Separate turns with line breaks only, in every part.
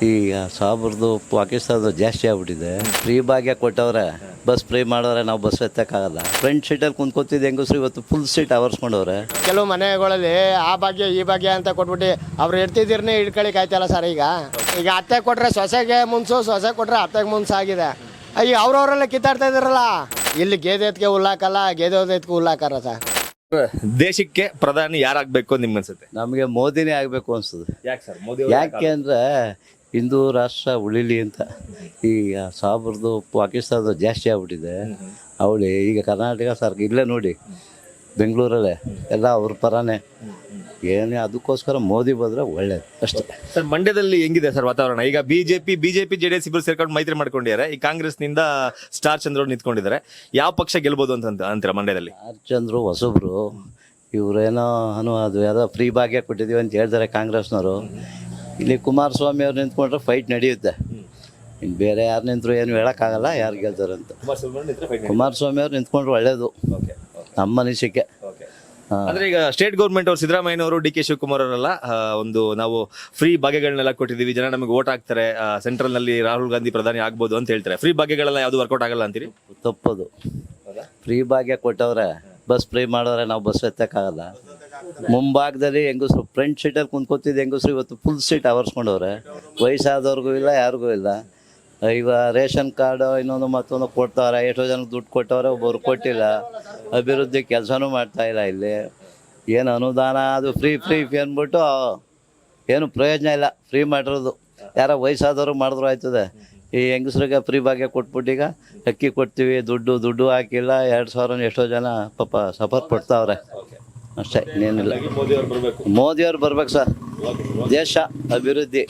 ಈಗ ಸಾಬ್ರದ್ದು ಪಾಕಿಸ್ತಾನದ ಜಾಸ್ತಿ ಆಗ್ಬಿಟ್ಟಿದೆ. ಫ್ರೀ ಭಾಗ್ಯ ಕೊಟ್ಟವ್ರೆ, ಬಸ್ ಫ್ರೀ ಮಾಡೋರೆ, ನಾವು ಬಸ್ ಎತ್ತಕ್ಕಾಗಲ್ಲ. ಫ್ರಂಟ್ ಸೀಟಲ್ಲಿ ಕುಂತ್ಕೊತಿದ್ದು ಹೆಂಗಸ್ರು ಇವತ್ತು ಫುಲ್ ಸೀಟ್ ಆವರ್ಸ್ಕೊಂಡವ್ರೆ.
ಕೆಲವು ಮನೆಗಳಲ್ಲಿ ಆ ಭಾಗ್ಯ ಈ ಭಾಗ್ಯ ಅಂತ ಕೊಟ್ಬಿಟ್ಟು ಅವ್ರು ಇರ್ತಿದ್ದೀರನ್ನೇ ಹಿಡ್ಕೊಳಿಕ್ ಆಯ್ತಲ್ಲ ಸರ್. ಈಗ ಅತ್ತೆ ಕೊಟ್ರೆ ಸೊಸೆಗೆ ಮುನ್ಸು, ಸೊಸೆ ಕೊಟ್ರೆ ಅತ್ತೆಗೆ ಮುನ್ಸು ಆಗಿದೆ. ಈಗ ಅವ್ರವರೆಲ್ಲ ಕಿತ್ತಾಡ್ತಾ ಇದಾರಲ್ಲ. ಇಲ್ಲಿ ಗೇದೆ ಎತ್ಗೆ ಹುಲ್ಲಾಕಲ್ಲ, ಗೇದೆ ಎತ್ಗೆ ಹುಲ್ಲಾಕಾರ ಸರ್.
ದೇಶಕ್ಕೆ ಪ್ರಧಾನಿ ಯಾರಾಗಬೇಕು ನಿಮ್ಗೆ ಅನ್ಸುತ್ತೆ?
ನಮಗೆ ಮೋದಿನೇ ಆಗಬೇಕು ಅನಿಸ್ತದೆ.
ಯಾಕೆ ಸರ್ ಮೋದಿ?
ಯಾಕೆ ಅಂದರೆ ಹಿಂದೂ ರಾಷ್ಟ್ರ ಉಳಿಲಿ ಅಂತ. ಈಗ ಸಾಬ್ರದ್ದು ಪಾಕಿಸ್ತಾನದ ಜಾಸ್ತಿ ಆಗ್ಬಿಟ್ಟಿದೆ. ಅವಳಿ ಈಗ ಕರ್ನಾಟಕ ಸರ್ಕಾರ ಇಲ್ಲೇ ನೋಡಿ, ಬೆಂಗಳೂರಲ್ಲೇ ಎಲ್ಲ ಅವ್ರ ಪರನೇ. ಏನೇ ಅದಕ್ಕೋಸ್ಕರ ಮೋದಿ ಬಂದರೆ ಒಳ್ಳೇದು ಅಷ್ಟೇ.
ಸರ್ ಮಂಡ್ಯದಲ್ಲಿ ಹೆಂಗಿದೆ ಸರ್ ವಾತಾವರಣ? ಈಗ ಬಿಜೆಪಿ JDS ಇಬ್ಬರು ಸೇರ್ಕೊಂಡು ಮೈತ್ರಿ ಮಾಡ್ಕೊಂಡಿದ್ದಾರೆ. ಈ ಕಾಂಗ್ರೆಸ್ನಿಂದ ಸ್ಟಾರ್ ಚಂದ್ರ ನಿಂತ್ಕೊಂಡಿದ್ದಾರೆ. ಯಾವ ಪಕ್ಷ ಗೆಲ್ಬೋದು ಅಂತ ಅಂತೀರಾ ಮಂಡ್ಯದಲ್ಲಿ?
ಆರ್ ಚಂದ್ರು ಹೊಸಬ್ರು, ಇವರೇನೋ ಅದು ಯಾವುದೋ ಫ್ರೀ ಭಾಗ್ಯ ಕೊಟ್ಟಿದ್ದೀವಿ ಅಂತ ಹೇಳ್ತಾರೆ ಕಾಂಗ್ರೆಸ್ನವರು. ಇಲ್ಲಿ ಕುಮಾರಸ್ವಾಮಿ ಅವ್ರು ನಿಂತ್ಕೊಂಡ್ರೆ ಫೈಟ್ ನಡೆಯುತ್ತೆ. ಇನ್ನು ಬೇರೆ ಯಾರು ನಿಂತರು ಏನು ಹೇಳೋಕ್ಕಾಗಲ್ಲ ಯಾರು ಗೆಲ್ತಾರೆ ಅಂತ. ಕುಮಾರಸ್ವಾಮಿ ಅವ್ರು ನಿಂತ್ಕೊಂಡ್ರೆ ಒಳ್ಳೇದು ನಮ್ಮ ಅನಿಸಿಕೆ.
ಅಂದ್ರೆ ಈಗ ಸ್ಟೇಟ್ ಗೌರ್ಮೆಂಟ್ ಅವರು ಸಿದ್ದರಾಮಯ್ಯನವರು DK ಶಿವಕುಮಾರ್ ಅವರೆಲ್ಲ ಒಂದು ನಾವು ಫ್ರೀ ಭಾಗ್ಯಗಳನ್ನೆಲ್ಲ ಕೊಟ್ಟಿದ್ದೀವಿ, ಜನ ನಮಗೆ ವೋಟ್ ಹಾಕ್ತಾರೆ, ಸೆಂಟ್ರಲ್ ನಲ್ಲಿ ರಾಹುಲ್ ಗಾಂಧಿ ಪ್ರಧಾನಿ ಆಗ್ಬೋದು ಅಂತ ಹೇಳ್ತಾರೆ. ಫ್ರೀ ಭಾಗ್ಯಗಳೆಲ್ಲ ಯಾವ್ದು ವರ್ಕೌಟ್ ಆಗಲ್ಲ ಅಂತೀರಿ?
ತಪ್ಪದು. ಫ್ರೀ ಭಾಗ್ಯ ಕೊಟ್ಟವ್ರೆ, ಬಸ್ ಫ್ರೀ ಮಾಡೋರೆ, ನಾವು ಬಸ್ ಎತ್ತಕ್ಕಾಗಲ್ಲ. ಮುಂಭಾಗದಲ್ಲಿ ಹೆಂಗಸ್ರು ಫ್ರಂಟ್ ಸೀಟಲ್ಲಿ ಕುಂತ್ಕೊತಿದ್ದು ಹೆಂಗಸ್ರು ಇವತ್ತು ಫುಲ್ ಸೀಟ್ ಆವರ್ಸ್ಕೊಂಡವ್ರೆ. ವಯಸ್ಸಾದವ್ರಿಗೂ ಇಲ್ಲ, ಯಾರಿಗೂ ಇಲ್ಲ. ಈಗ ರೇಷನ್ ಕಾರ್ಡು ಇನ್ನೊಂದು ಮತ್ತೊಂದು ಕೊಡ್ತಾವ್ರೆ. ಎಷ್ಟೋ ಜನಕ್ಕೆ ದುಡ್ಡು ಕೊಟ್ಟವ್ರೆ, ಒಬ್ಬರು ಕೊಟ್ಟಿಲ್ಲ. ಅಭಿವೃದ್ಧಿ ಕೆಲಸನೂ ಮಾಡ್ತಾಯಿಲ್ಲ. ಇಲ್ಲಿ ಏನು ಅನುದಾನ ಅದು ಫ್ರೀ ಅಂದ್ಬಿಟ್ಟು ಏನು ಪ್ರಯೋಜನ ಇಲ್ಲ. ಫ್ರೀ ಮಾಡಿರೋದು ಯಾರೋ ವಯಸ್ಸಾದವರು ಮಾಡಿದ್ರು ಆಯ್ತದೆ. ಈ ಹೆಂಗಸ್ರಿಗೆ ಫ್ರೀ ಭಾಗ್ಯ ಕೊಟ್ಬಿಟ್ಟೀಗ ಅಕ್ಕಿ ಕೊಡ್ತೀವಿ, ದುಡ್ಡು ಹಾಕಿಲ್ಲ. 2000 ಎಷ್ಟೋ ಜನ ಪಾಪ ಸಫರ್ ಪಡ್ತಾವ್ರೆ ಅಷ್ಟೇ, ಇನ್ನೇನಿಲ್ಲ. ಮೋದಿಯವ್ರು ಬರ್ಬೇಕು ಸರ್. ದೇಶ ಅಭಿವೃದ್ಧಿ.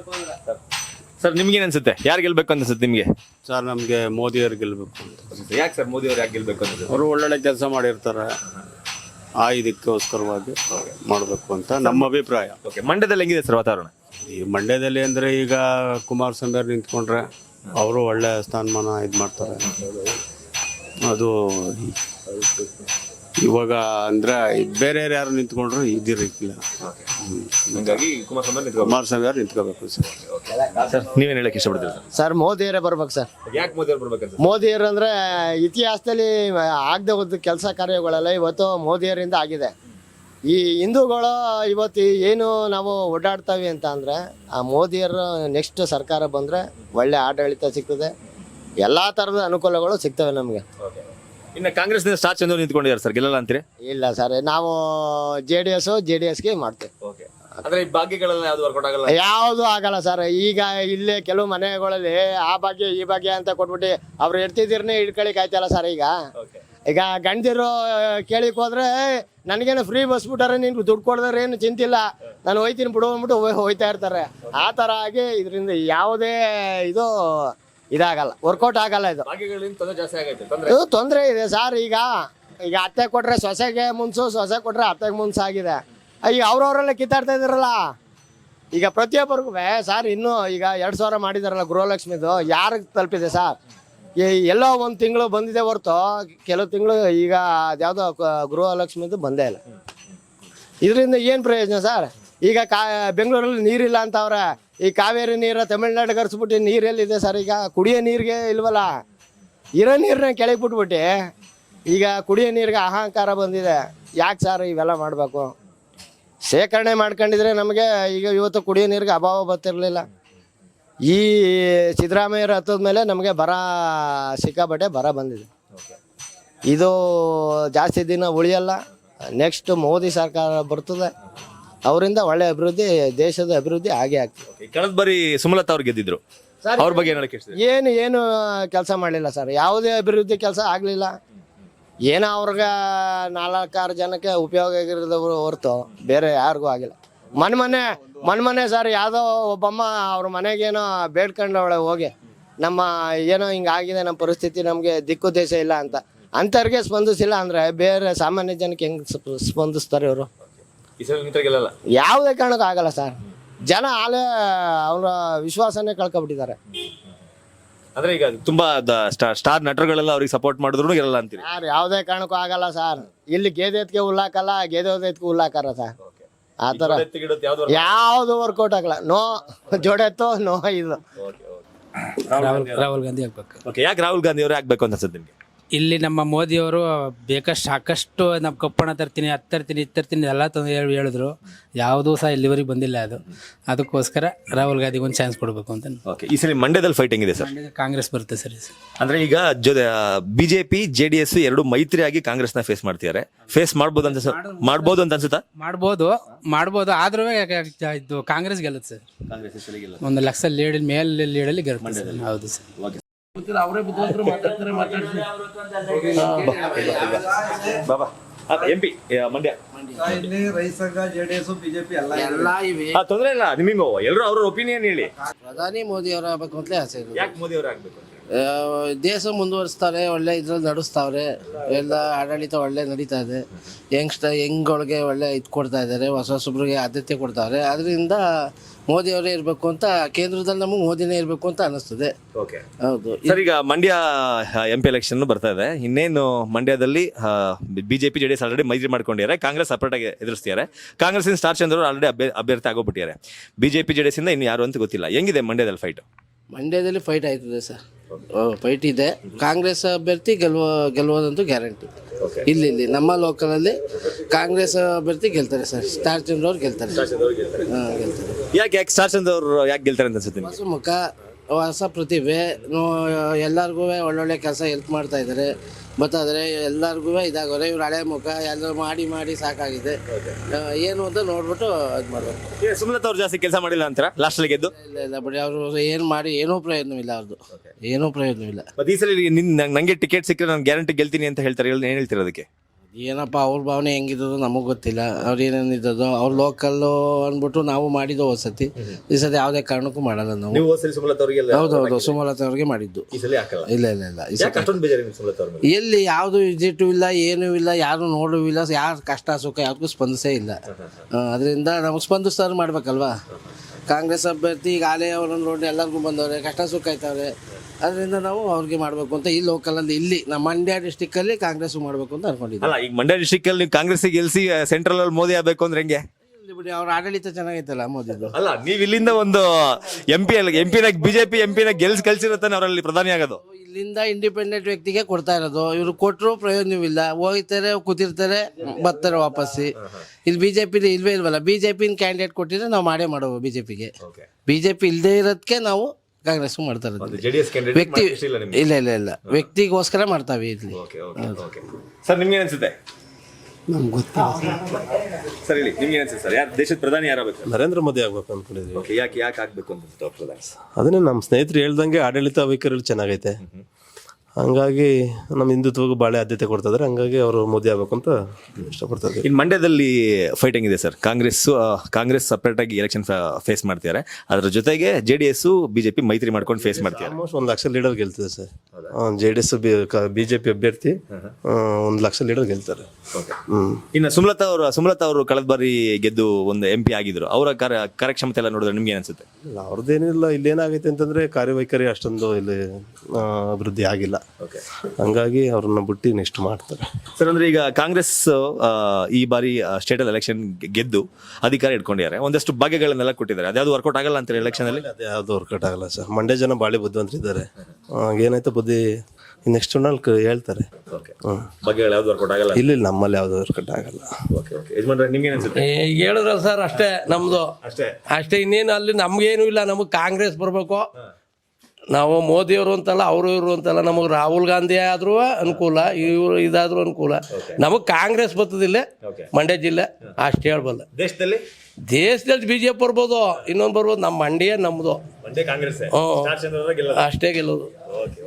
ಸರ್ ನಿಮ್ಗೇನು ಅನ್ಸುತ್ತೆ? ಯಾರು ಗೆಲ್ಬೇಕು ಅನ್ಸುತ್ತೆ ನಿಮಗೆ?
ಸರ್ ನಮಗೆ ಮೋದಿಯವ್ರು ಗೆಲ್ಲಬೇಕು ಅಂತ.
ಯಾಕೆ ಸರ್ ಮೋದಿ ಅವ್ರು ಯಾಕೆ ಗೆಲ್ಬೇಕು ಅನ್ಸುತ್ತೆ?
ಅವರು ಒಳ್ಳೊಳ್ಳೆ ಕೆಲಸ ಮಾಡಿರ್ತಾರೆ, ಆ ಇದಕ್ಕೋಸ್ಕರವಾಗಿ ಮಾಡಬೇಕು ಅಂತ ನಮ್ಮ ಅಭಿಪ್ರಾಯ.
ಮಂಡ್ಯದಲ್ಲಿ ಹೆಂಗಿದೆ ಸರ್ ವಾತಾವರಣ?
ಈ ಮಂಡ್ಯದಲ್ಲಿ ಅಂದರೆ ಈಗ ಕುಮಾರಸ್ವಾಮಿ ಅವ್ರು ನಿಂತ್ಕೊಂಡ್ರೆ ಅವರು ಒಳ್ಳೆ ಸ್ಥಾನಮಾನ ಇದು ಮಾಡ್ತಾರೆ. ಅದು ಇವಾಗ ಅಂದರೆ ಬೇರೆ ಯಾರು ನಿಂತ್ಕೊಂಡ್ರು ಇದಿರಕ್ಕಿಲ್ಲ. ಕುಮಾರಸ್ವಾಮಿ ಅವ್ರು ನಿಂತ್ಕೋಬೇಕು ಸರ್.
ಸರ್ ನೀವೇನು ಹೇಳಕ್ಕೆ ಇಷ್ಟಪಡ್ತೀರಿ
ಸರ್ ಮೋದಿಯವರೇ ಬರ್ಬೇಕು ಸರ್.
ಯಾಕೆ ಮೋದಿ ಅವ್ರು ಬರ್ಬೇಕಂತ?
ಮೋದಿಯವರು ಅಂದರೆ ಇತಿಹಾಸದಲ್ಲಿ ಆಗದೆ ಹೋದ ಕೆಲಸ ಕಾರ್ಯಗಳೆಲ್ಲ ಇವತ್ತು ಮೋದಿಯವರಿಂದ ಆಗಿದೆ. ಈ ಹಿಂದೂಗಳು ಇವತ್ತು ಏನು ನಾವು ಓಡಾಡ್ತಾವೆ ಅಂತ ಅಂದರೆ ಆ ಮೋದಿಯವರು ನೆಕ್ಸ್ಟ್ ಸರ್ಕಾರ ಬಂದರೆ ಒಳ್ಳೆ ಆಡಳಿತ ಸಿಗ್ತದೆ, ಎಲ್ಲ ಥರದ ಅನುಕೂಲಗಳು ಸಿಗ್ತವೆ ನಮಗೆ.
ಇನ್ನು ಕಾಂಗ್ರೆಸ್ನಿಂದ ಸ್ಟಾರ್ ಚಂದ್ರ ನಿಂತ್ಕೊಂಡಿದ್ದಾರೆ ಸರ್, ಗೆಲ್ಲಲ್ಲ ಅಂತೀರಿ?
ಇಲ್ಲ ಸರ್, ನಾವು JDSಗೆ ಮಾಡ್ತೇವೆ.
ಅಂದ್ರೆ ಈ ಭಾಗ್ಯಗಳೆಲ್ಲ ಯಾವ್ದು ವರ್ಕೌಟ್ ಆಗಲ್ಲ?
ಯಾವುದು ಆಗಲ್ಲ ಸರ್. ಈಗ ಇಲ್ಲೇ ಕೆಲವು ಮನೆಗಳಲ್ಲಿ ಆ ಭಾಗ್ಯ ಈ ಭಾಗ್ಯ ಅಂತ ಕೊಟ್ಬಿಟ್ಟು ಅವ್ರು ಇರ್ತಿದ್ದೀರನ್ನೇ ಹಿಡ್ಕೊಳಿಕ್ ಆಯ್ತಲ್ಲ ಸರ್. ಈಗ ಗಂಡದಿರು ಕೇಳಿಕ್ ಹೋದ್ರೆ ನನಗೇನು ಫ್ರೀ ಬಸ್ ಬಿಟ್ಟಾರೆ, ನೀನು ದುಡ್ಡು ಕೊಡಿದ್ರೆ ಏನು ಚಿಂತಿಲ್ಲ, ನಾನು ಹೋಯ್ತೀನಿ ಬಿಡು ಅಂದ್ಬಿಟ್ಟು ಹೋಯ್ತಾ ಇರ್ತಾರೆ. ಆ ಥರ ಆಗಿ ಇದರಿಂದ ಯಾವುದೇ ಇದು ಇದಾಗಲ್ಲ, ವರ್ಕೌಟ್ ಆಗಲ್ಲ. ಇದು ತೊಂದರೆ ಇದೆ ಸರ್. ಈಗ ಅತ್ತೆ ಕೊಟ್ರೆ ಸೊಸೆಗೆ ಮುನ್ಸು, ಸೊಸೆ ಕೊಟ್ರೆ ಅತ್ತೆಗೆ ಮುನ್ಸು ಆಗಿದೆ. ಈಗ ಅವ್ರವರೆಲ್ಲ ಕಿತ್ತಾಡ್ತಾ ಇದಾರಲ್ಲ. ಈಗ ಪ್ರತಿಯೊಬ್ಬರಿಗೂ ಸರ್ ಇನ್ನೂ ಈಗ 2000 ಮಾಡಿದಾರಲ್ಲ ಗೃಹಲಕ್ಷ್ಮಿದು, ಯಾರಿಗೆ ತಲುಪಿದೆ ಸರ್? ಎಲ್ಲೋ ಒಂದು ತಿಂಗಳು ಬಂದಿದೆ ಹೊರತು ಕೆಲವು ತಿಂಗಳು ಈಗ ಅದ್ಯಾವುದೋ ಗೃಹಲಕ್ಷ್ಮಿದು ಬಂದೇ ಇಲ್ಲ. ಇದರಿಂದ ಏನು ಪ್ರಯೋಜನ ಸರ್? ಈಗ ಬೆಂಗಳೂರಲ್ಲಿ ನೀರಿಲ್ಲ ಅಂತ ಅವ್ರೆ. ಈ ಕಾವೇರಿ ನೀರು ತಮಿಳ್ನಾಡಿಗೆ ಹರಿಸ್ಬಿಟ್ಟು ನೀರೆಲ್ಲಿದೆ ಸರ್? ಈಗ ಕುಡಿಯೋ ನೀರಿಗೆ ಇಲ್ವಲ್ಲ, ಇರೋ ನೀರನ್ನ ಕೆಳಗೆ ಬಿಟ್ಬಿಟ್ಟು ಈಗ ಕುಡಿಯೋ ನೀರಿಗೆ ಅಹಂಕಾರ ಬಂದಿದೆ. ಯಾಕೆ ಸರ್ ಇವೆಲ್ಲ ಮಾಡಬೇಕು? ಶೇಖರಣೆ ಮಾಡ್ಕೊಂಡಿದ್ರೆ ನಮಗೆ ಈಗ ಇವತ್ತು ಕುಡಿಯೋ ನೀರಿಗೆ ಅಭಾವ ಬರ್ತಿರಲಿಲ್ಲ. ಈ ಸಿದ್ದರಾಮಯ್ಯರು ಹತ್ತದ ಮೇಲೆ ನಮಗೆ ಸಿಕ್ಕಾಪಟ್ಟೆ ಬರ ಬಂದಿದೆ. ಇದು ಜಾಸ್ತಿ ದಿನ ಉಳಿಯಲ್ಲ. ನೆಕ್ಸ್ಟ್ ಮೋದಿ ಸರ್ಕಾರ ಬರ್ತದೆ, ಅವರಿಂದ ಒಳ್ಳೆ ಅಭಿವೃದ್ಧಿ, ದೇಶದ ಅಭಿವೃದ್ಧಿ ಆಗೇ ಆಗ್ತದೆ.
ಕಳೆದ ಬಾರಿ ಸುಮಲತಾ ಅವ್ರು ಗೆದ್ದಿದ್ರು, ಅವ್ರ ಬಗ್ಗೆ
ಏನು ಕೆಲಸ ಮಾಡಲಿಲ್ಲ ಸರ್. ಯಾವುದೇ ಅಭಿವೃದ್ಧಿ ಕೆಲಸ ಆಗಲಿಲ್ಲ. ಏನೋ ಅವ್ರಿಗೆ 4-6 ಜನಕ್ಕೆ ಉಪಯೋಗ ಆಗಿರೋದವ್ರು ಹೊರತು ಬೇರೆ ಯಾರಿಗೂ ಆಗಿಲ್ಲ. ಮನೆ ಸರ್ ಯಾವುದೋ ಒಬ್ಬಮ್ಮ ಅವ್ರ ಮನೆಗೇನೋ ಬೇಡ್ಕೊಂಡವಳೆ ಹೋಗಿ, ನಮ್ಮ ಏನೋ ಹಿಂಗಾಗಿದೆ, ನಮ್ಮ ಪರಿಸ್ಥಿತಿ, ನಮಗೆ ದಿಕ್ಕು ದೇಶ ಇಲ್ಲ ಅಂತ. ಅಂಥವ್ರಿಗೆ ಸ್ಪಂದಿಸಿಲ್ಲ ಅಂದರೆ ಬೇರೆ ಸಾಮಾನ್ಯ ಜನಕ್ಕೆ ಹೆಂಗೆ ಸ್ಪಂದಿಸ್ತಾರೆ ಇವರು? ಯಾವುದೇ ಕಾರಣಕ್ಕೂ ಆಗಲ್ಲ ಸರ್. ಜನ ಆಲೇ ಅವರ ವಿಶ್ವಾಸನೇ ಕಳ್ಕೊಬಿಟ್ಟಿದ್ದಾರೆ.
ಅಂದ್ರೆ ಈಗ ತುಂಬಾ ಸ್ಟಾರ್ ನಟರುಗಳೆಲ್ಲ ಅವ್ರಿಗೆ ಸಪೋರ್ಟ್ ಮಾಡಿದ್ರು ಇರಲ್ಲ ಅಂತೀರಿ?
ಯಾರು ಯಾವುದೇ ಕಾರಣಕ್ಕೂ ಆಗಲ್ಲ ಸರ್. ಇಲ್ಲಿ ಗೇದೆ ಎತ್ಗೆ ಹುಲ್ಲಾಕಲ್ಲ, ಗೇದೆ ಎತ್ಗೆ ಹುಲ್ಲಾಕಾರ ಸರ್. ಆ ಥರ ಯಾವುದು ವರ್ಕೌಟ್ ಆಗಲ್ಲ. ನೋ ಜೋಡೆತ್ತೋ ನೋ ಇದು.
ರಾಹುಲ್ ಗಾಂಧಿ ಆಗ್ಬೇಕು.
ಓಕೆ, ಯಾಕೆ ರಾಹುಲ್ ಗಾಂಧಿ ಅವರೇ ಆಗ್ಬೇಕು ಅಂತ ಅನ್ಸುತ್ತೆ ನಿಮಗೆ?
ಇಲ್ಲಿ ನಮ್ಮ ಮೋದಿಯವರು ಸಾಕಷ್ಟು ನಮ್ಮ ಕಪ್ಪಣ ತರ್ತೀನಿ ಅದು ತರ್ತೀನಿ ಇದು ತರ್ತೀನಿ ಎಲ್ಲ ತಂದು ಹೇಳಿದ್ರು, ಯಾವುದೂ ಸಹ ಇಲ್ಲಿವರೆಗೆ ಬಂದಿಲ್ಲ. ಅದಕ್ಕೋಸ್ಕರ ರಾಹುಲ್ ಗಾಂಧಿಗೆ ಒಂದು ಚಾನ್ಸ್ ಕೊಡಬೇಕು ಅಂತ.
ಓಕೆ, ಈ ಸಲ ಮಂಡ್ಯದಲ್ಲಿ ಫೈಟಿಂಗ್ ಇದೆ ಸರ್.
ಕಾಂಗ್ರೆಸ್ ಬರುತ್ತೆ ಸರ್.
ಅಂದ್ರೆ ಈಗ ಬಿಜೆಪಿ JDS ಎರಡು ಮೈತ್ರಿಯಾಗಿ ಕಾಂಗ್ರೆಸ್ನ ಫೇಸ್ ಮಾಡ್ತಿದ್ದಾರೆ. ಫೇಸ್ ಮಾಡ್ಬೋದು ಅಂತ ಅನ್ಸುತ್ತಾ?
ಮಾಡ್ಬೋದು ಆದ್ರೂ ಇದು ಕಾಂಗ್ರೆಸ್ ಗೆಲ್ಲುತ್ತೆ ಸರ್. 1 ಲಕ್ಷ ಲೀಡಲ್ಲಿ ಗೆಲ್ಲುತ್ತೆ ಸರ್. ಹೌದು ಸರ್.
MP ಮಂಡ್ಯ
ರೈತ ಸಂಘ JDS BJP ಎಲ್ಲ
ತೊಂದರೆ ಇಲ್ಲ, ನಿಮಗೆ ಎಲ್ಲರೂ ಅವ್ರ ಒಪಿನಿಯನ್ ಹೇಳಿ.
ಪ್ರಧಾನಿ ಮೋದಿ ಅವರು ಆಗ್ಬೇಕು ಅಂತಲೇ ಆಸೆ ಇದೆ.
ಯಾಕೆ ಮೋದಿ ಅವರು ಆಗ್ಬೇಕು?
ದೇಶ ಮುಂದುವರಿಸ್ತಾರೆ, ಒಳ್ಳೆ ಇದ್ರಲ್ಲಿ ನಡೆಸ್ತಾವ್ರೆ, ಎಲ್ಲ ಆಡಳಿತ ಒಳ್ಳೆ ನಡೀತಾ ಇದೆ. ಯಂಗ್ಗಳಿಗೆ ಒಳ್ಳೆ ಇದು ಕೊಡ್ತಾ ಇದ್ದಾರೆ, ಹೊಸಬ್ರಿಗೆ ಆದ್ಯತೆ ಕೊಡ್ತಾವ್ರೆ. ಅದರಿಂದ ಮೋದಿ ಅವರೇ ಇರಬೇಕು ಅಂತ, ಕೇಂದ್ರದಲ್ಲಿ ನಮಗೆ ಮೋದಿನೇ ಇರಬೇಕು ಅಂತ ಅನಿಸ್ತದೆ.
ಓಕೆ,
ಹೌದು
ಸರ್. ಈಗ ಮಂಡ್ಯ MP ಎಲೆಕ್ಷನ್ ಬರ್ತಾ ಇದೆ. ಇನ್ನೇನು ಮಂಡ್ಯದಲ್ಲಿ ಬಿಜೆಪಿ JDS ಆಲ್ರೆಡಿ ಮೈತ್ರಿ ಮಾಡ್ಕೊಂಡಿದ್ದಾರೆ, ಕಾಂಗ್ರೆಸ್ ಸಪರೇಟ್ ಆಗಿ ಎದುರಿಸ್ತಿದ್ದಾರೆ. ಕಾಂಗ್ರೆಸ್ ಸ್ಟಾರ್ ಚಂದ್ರ ಅವರು ಆಲ್ರೆಡಿ ಅಭ್ಯರ್ಥಿ ಆಗೋಗ್ಬಿಟ್ಟಿದ್ದಾರೆ. ಬಿಜೆಪಿ JDS ಇಂದ ಇನ್ನು ಯಾರು ಅಂತ ಗೊತ್ತಿಲ್ಲ. ಹೆಂಗಿದೆ ಮಂಡ್ಯದಲ್ಲಿ ಫೈಟ್?
ಮಂಡ್ಯದಲ್ಲಿ ಫೈಟ್ ಆಯ್ತದೆ ಸರ್, ಫೈಟ್ ಇದೆ. ಕಾಂಗ್ರೆಸ್ ಅಭ್ಯರ್ಥಿ ಗೆಲ್ಲುವುದಂತೂ ಗ್ಯಾರಂಟಿ. ಇಲ್ಲಿ ನಮ್ಮ ಲೋಕಲಲ್ಲಿ ಕಾಂಗ್ರೆಸ್ ಅಭ್ಯರ್ಥಿ ಗೆಲ್ತಾರೆ ಸರ್. ಸ್ಟಾರ್ ಚಂದ್ರ ಅವ್ರು ಗೆಲ್ತಾರೆ. ಗೆಲ್ತಾರೆ.
ಯಾಕೆ ಸ್ಟಾರ್ ಚಂದ್ರ ಅವರು ಯಾಕೆ ಗೆಲ್ತಾರೆ ಅಂತ ಅನ್ಸುತ್ತೆ?
ಹೊಸ ಮುಖ, ಹೊಸ ಪ್ರತಿಭೆ, ಎಲ್ಲರಿಗೂ ಒಳ್ಳೊಳ್ಳೆ ಕೆಲಸ ಹೆಲ್ಪ್ ಮಾಡ್ತಾ ಇದ್ದಾರೆ. ಬರ್ತಾಯಿದ್ರೆ ಎಲ್ಲರಿಗೂ ಇದಾಗೋರೆ. ಇವ್ರು ಹಳೆ ಮುಖ ಎಲ್ಲ ಮಾಡಿ ಸಾಕಾಗಿದೆ. ಏನು ಅಂತ ನೋಡ್ಬಿಟ್ಟು ಇದು ಮಾಡಬೇಕು.
ಸುಮಲತಾ ಅವ್ರು ಜಾಸ್ತಿ ಕೆಲಸ ಮಾಡಿಲ್ಲ ಅಂತಾರ ಲಾಸ್ಟಲ್ಲಿ ಗೆದ್ದು?
ಇಲ್ಲ ಬಿಡಿ, ಅವರು ಏನು ಮಾಡಿ ಏನೂ ಪ್ರಯೋಜನವಿಲ್ಲ. ಅವ್ರದ್ದು ಏನೂ ಪ್ರಯೋಜನವಿಲ್ಲ.
ಮತ್ತೆ ಈ ಸಲ ನಂಗೆ ಟಿಕೆಟ್ ಸಿಕ್ಕರೆ ನಾನು ಗ್ಯಾರಂಟಿ ಗೆಲ್ತೀನಿ ಅಂತ ಹೇಳ್ತಾರೆ. ಏನು ಹೇಳ್ತೀರ ಅದಕ್ಕೆ?
ಏನಪ್ಪ ಅವ್ರ ಭಾವನೆ ಹೆಂಗಿದ್ದೋ ನಮಗೆ ಗೊತ್ತಿಲ್ಲ. ಅವ್ರು ಏನೇನಿದ್ದೋ ಅವ್ರು ಲೋಕಲ್ಲು ಅಂದ್ಬಿಟ್ಟು ನಾವು ಮಾಡಿದ್ದು ವಸತಿ. ಈ ಸತಿ ಯಾವುದೇ ಕಾರಣಕ್ಕೂ ಮಾಡಲ್ಲ ನಾವು. ಹೌದೌದು, ಸುಮಲತಾ ಅವ್ರಿಗೆ ಮಾಡಿದ್ದು. ಇಲ್ಲ ಎಲ್ಲಿ ಯಾವುದು ವಿಸಿಟು ಇಲ್ಲ, ಏನೂ ಇಲ್ಲ, ಯಾರು ನೋಡೂ ಇಲ್ಲ, ಯಾರು ಕಷ್ಟ ಸುಖ ಯಾರಿಗೂ ಸ್ಪಂದಿಸೇ ಇಲ್ಲ. ಅದರಿಂದ ನಮಗೆ ಸ್ಪಂದಿಸ್ತಾರು ಮಾಡ್ಬೇಕಲ್ವಾ. ಕಾಂಗ್ರೆಸ್ ಅಭ್ಯರ್ಥಿ ಈಗ ಆಲೇ ಅವರನ್ನು ನೋಡಿ ಎಲ್ಲರಿಗೂ ಬಂದವ್ರೆ, ಕಷ್ಟ ಸುಖ ಆಯ್ತವ್ರೆ. ಅದರಿಂದ ನಾವು ಅವ್ರಿಗೆ ಮಾಡಬೇಕು ಅಂತ ಈ ಲೋಕಲಲ್ಲಿ, ಇಲ್ಲಿ ನಮ್ಮ ಮಂಡ್ಯ ಡಿಸ್ಟಿಕ್ಕಲ್ಲಿ ಕಾಂಗ್ರೆಸ್ ಮಾಡಬೇಕು ಅಂತ ಅನ್ಕೊಂಡಿದ್ದೀವಿ.
ಈಗ ಮಂಡ್ಯ ಡಿಸ್ಟಿಕ್ ಅಲ್ಲಿ ಕಾಂಗ್ರೆಸ್ ಗೆಲ್ಸಿ ಸೆಂಟ್ರಲ್ ಅಲ್ಲಿ ಮೋದಿ ಆಗಬೇಕು ಅಂದ್ರೆ ಹೆಂಗೆ?
ಬಿಡಿ, ಅವ್ರ ಆಡಳಿತ ಚೆನ್ನಾಗೈತಲ್ಲ ಮೋದಿದು.
ಅಲ್ಲ, ನೀವು ಇಲ್ಲಿಂದ ಒಂದು ಎಂಪಿನ ಬಿಜೆಪಿ ಎಂಪಿನ ಕಳ್ಸಿರುತ್ತಾನೆ ಅವರಲ್ಲಿ ಪ್ರಧಾನಿ ಆಗೋದು.
ಇಲ್ಲಿಂದ ಇಂಡಿಪೆಂಡೆಂಟ್ ವ್ಯಕ್ತಿಗೆ ಕೊಡ್ತಾ ಇರೋದು. ಇವರು ಕೊಟ್ಟರು ಪ್ರಯೋಜನವಿಲ್ಲ. ಹೋಗ್ತಾರೆ, ಕೂತಿರ್ತಾರೆ, ಬರ್ತಾರೆ ವಾಪಸ್ಸಿ. ಇಲ್ಲಿ ಬಿಜೆಪಿ ಇಲ್ವೇ ಇಲ್ವಲ್ಲ. ಬಿಜೆಪಿನ ಕ್ಯಾಂಡಿಡೇಟ್ ಕೊಟ್ಟಿದ್ರೆ ನಾವು ಮಾಡೋ ಬಿಜೆಪಿಗೆ. ಬಿಜೆಪಿ ಇಲ್ಲದೆ ಇರೋದಕ್ಕೆ ನಾವು ಕಾಂಗ್ರೆಸ್ ಮಾಡ್ತಾ ಇರೋದು. ವ್ಯಕ್ತಿ ಇಲ್ಲ ವ್ಯಕ್ತಿಗೋಸ್ಕರ ಮಾಡ್ತಾವೆ ಇಲ್ಲಿ.
ಸರ್, ನಿಮ್ಗೆ ಅನ್ಸುತ್ತೆ?
ನಮ್ಗೆ ಗೊತ್ತಿಲ್ಲ
ಸರ್, ಹೇಳಿ, ನಿಮ್ಗೆ ಅನ್ಸುತ್ತೆ ಸರ್? ಯಾರು ದೇಶದ ಪ್ರಧಾನಿ ಯಾರಾಗಬೇಕು?
ನರೇಂದ್ರ ಮೋದಿ ಆಗ್ಬೇಕು ಅನ್ಕೊಂಡಿದ್ವಿ.
ಯಾಕೆ ಆಗ್ಬೇಕು ಅಂತ ಪ್ರಧಾನಿ?
ಅದನ್ನೇ ನಮ್ಮ ಸ್ನೇಹಿತರು ಹೇಳ್ದಂಗೆ ಆಡಳಿತ ವೈಖರಿ ಚೆನ್ನಾಗೈತೆ. ಹಂಗಾಗಿ ನಮ್ಮ ಹಿಂದುತ್ವಗೂ ಭಾಳ ಆದ್ಯತೆ ಕೊಡ್ತಾ ಇದ್ದಾರೆ. ಹಂಗಾಗಿ ಅವರು ಮೋದಿ ಆಗ್ಬೇಕು ಅಂತ ಇಷ್ಟಪಡ್ತಾ ಇದ್ದಾರೆ.
ಇನ್ನು ಮಂಡ್ಯದಲ್ಲಿ ಫೈಟಿಂಗ್ ಇದೆ ಸರ್. ಕಾಂಗ್ರೆಸ್ ಸಪ್ರೇಟ್ ಆಗಿ ಎಲೆಕ್ಷನ್ ಫೇಸ್ ಮಾಡ್ತಿದ್ದಾರೆ. ಅದ್ರ ಜೊತೆಗೆ JDS ಬಿಜೆಪಿ ಮೈತ್ರಿ ಮಾಡ್ಕೊಂಡು ಫೇಸ್ ಮಾಡ್ತಾರೆ.
ಆಲ್ಮೋಸ್ಟ್ 1 ಲಕ್ಷ ಲೀಡರ್ ಗೆಲ್ತಿದೆ ಸರ್. JDS ಬಿಜೆಪಿ ಅಭ್ಯರ್ಥಿ 1 ಲಕ್ಷ ಲೀಡರ್ ಗೆಲ್ತಾರೆ.
ಇನ್ನು ಸುಮಲತಾ ಅವರು ಕಳೆದ ಬಾರಿ ಗೆದ್ದು ಒಂದು MP ಆಗಿದ್ರು. ಅವರ ಕಾರ್ಯಕ್ಷಮತೆ ಎಲ್ಲ ನೋಡಿದ್ರೆ ನಿಮ್ಗೆ ಏನಿಸುತ್ತೆ?
ಇಲ್ಲ, ಅವ್ರದ್ದೇನಿಲ್ಲ. ಇಲ್ಲಿ ಏನಾಗೈತೆ ಅಂತಂದ್ರೆ ಕಾರ್ಯವೈಖರಿ ಅಷ್ಟೊಂದು ಇಲ್ಲಿ ಅಭಿವೃದ್ಧಿ ಆಗಿಲ್ಲ. ಹಂಗಾಗಿ ಅವ್ರನ್ನ ಬಿಟ್ಟು ನೆಕ್ಸ್ಟ್ ಮಾಡ್ತಾರೆ
ಸರ್. ಅಂದ್ರೆ ಈಗ ಕಾಂಗ್ರೆಸ್ ಈ ಬಾರಿ ಸ್ಟೇಟ್ ಎಲೆಕ್ಷನ್ ಗೆದ್ದು ಅಧಿಕಾರ ಇಟ್ಕೊಂಡಿದ್ದಾರೆ. ಒಂದಷ್ಟು ಭಾಗ್ಯಗಳನ್ನೆಲ್ಲ ಕೊಟ್ಟಿದ್ದಾರೆ. ಅದ್ಯಾವುದು ವರ್ಕೌಟ್ ಆಗಲ್ಲ ಅಂತಾರೆ ಎಲೆಕ್ಷನ್ ಅಲ್ಲಿ?
ಯಾವ್ದು ವರ್ಕೌಟ್ ಆಗಲ್ಲ ಸರ್. ಮಂಡ್ಯ ಜನ ಬಾಳಿ ಬುದ್ಧಿವಂತರಿದ್ದಾರೆ. ಏನಾಯ್ತು ಬುದ್ಧಿ ನೆಕ್ಸ್ಟ್ ಚುನಾವಣೆ ಹೇಳ್ತಾರೆ.
ಭಾಗ್ಯಗಳು ಯಾವ್ದು ವರ್ಕೌಟ್ ಆಗಲ್ಲ?
ಇಲ್ಲ, ನಮ್ಮಲ್ಲಿ ಯಾವ್ದು ವರ್ಕೌಟ್ ಆಗಲ್ಲ.
ನಿಮ್ಗೆ ಅನ್ಸುತ್ತೆ?
ಹೇಳಿದ್ರ ಸರ್, ಅಷ್ಟೇ ನಮ್ದು, ಅಷ್ಟೇ. ಇನ್ನೇನು ಅಲ್ಲಿ ನಮ್ಗೇನು ಇಲ್ಲ. ನಮಗೆ ಕಾಂಗ್ರೆಸ್ ಬರ್ಬೇಕು. ನಾವು ಮೋದಿಯವರು ಅಂತಲ್ಲ, ಅವರು ಇವರು ಅಂತಲ್ಲ. ನಮಗೆ ರಾಹುಲ್ ಗಾಂಧಿ ಆದ್ರೂ ಅನುಕೂಲ, ಇವರು ಇದಾದ್ರೂ ಅನುಕೂಲ. ನಮಗೆ ಕಾಂಗ್ರೆಸ್ ಬರ್ತದಿಲ್ಲ ಮಂಡ್ಯ ಜಿಲ್ಲೆ, ಅಷ್ಟು ಹೇಳ್ಬಲ್ಲ. ದೇಶದಲ್ಲಿ BJP ಬರ್ಬೋದು, ಇನ್ನೊಂದು ಬರ್ಬೋದು. ನಮ್ಮ ಮಂಡ್ಯ ನಮ್ಮದು,
ಕಾಂಗ್ರೆಸ್
ಅಷ್ಟೇ ಗೆಲ್ಲೋದು.